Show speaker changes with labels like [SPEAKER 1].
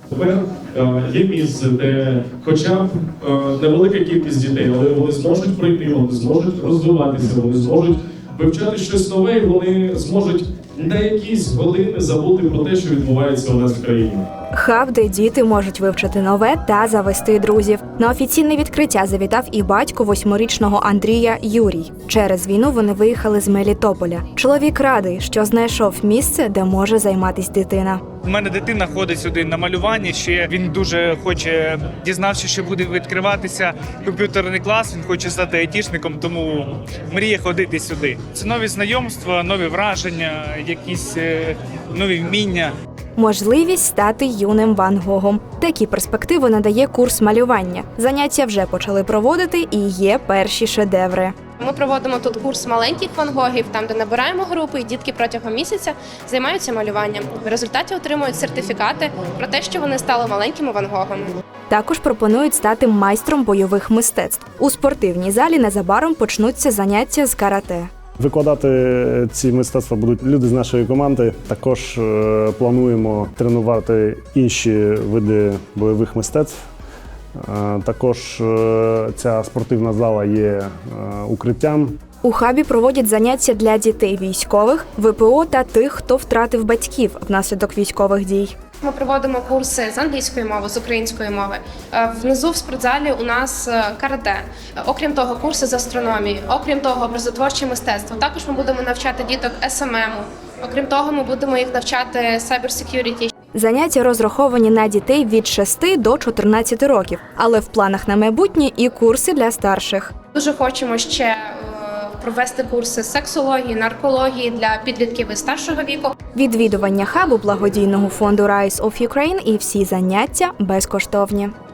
[SPEAKER 1] Тепер є місце, де хоча б невелика кількість дітей, але вони зможуть прийти, вони зможуть розвиватися, вони зможуть вивчати щось нове, і вони зможуть на якісь години забути про те, що відбувається у нас в країні.
[SPEAKER 2] Хаб, де діти можуть вивчити нове та завести друзів. На офіційне відкриття завітав і батько 8-річного Андрія Юрій. Через війну вони виїхали з Мелітополя. Чоловік радий, що знайшов місце, де може займатися дитина.
[SPEAKER 3] У мене дитина ходить сюди на малювання, ще він дуже хоче, дізнався, що буде відкриватися комп'ютерний клас, він хоче стати айтішником, тому мріє ходити сюди. Це нові знайомства, нові враження, якісь нові вміння.
[SPEAKER 2] Можливість стати юним Ван Гогом. Такі перспективи надає курс малювання. Заняття вже почали проводити і є перші шедеври.
[SPEAKER 4] Ми проводимо тут курс маленьких Ван Гогів, там, де набираємо групи, і дітки протягом місяця займаються малюванням. В результаті отримують сертифікати про те, що вони стали маленькими Ван Гогами.
[SPEAKER 2] Також пропонують стати майстром бойових мистецтв. У спортивній залі незабаром почнуться заняття з карате.
[SPEAKER 5] Викладати ці мистецтва будуть люди з нашої команди. Також плануємо тренувати інші види бойових мистецтв. Також ця спортивна зала є укриттям.
[SPEAKER 2] У хабі проводять заняття для дітей військових, ВПО та тих, хто втратив батьків внаслідок військових дій.
[SPEAKER 4] Ми проводимо курси з англійської мови, з української мови. Внизу в спортзалі у нас карате. Окрім того, курси з астрономії. Окрім того, образотворче мистецтво. Також ми будемо навчати діток СММу. Окрім того, ми будемо їх навчати cyber security.
[SPEAKER 2] Заняття розраховані на дітей від 6 до 14 років, але в планах на майбутнє і курси для старших.
[SPEAKER 4] Дуже хочемо ще провести курси з сексології, наркології для підлітків і старшого віку.
[SPEAKER 2] Відвідування хабу благодійного фонду Rise of Ukraine і всі заняття безкоштовні.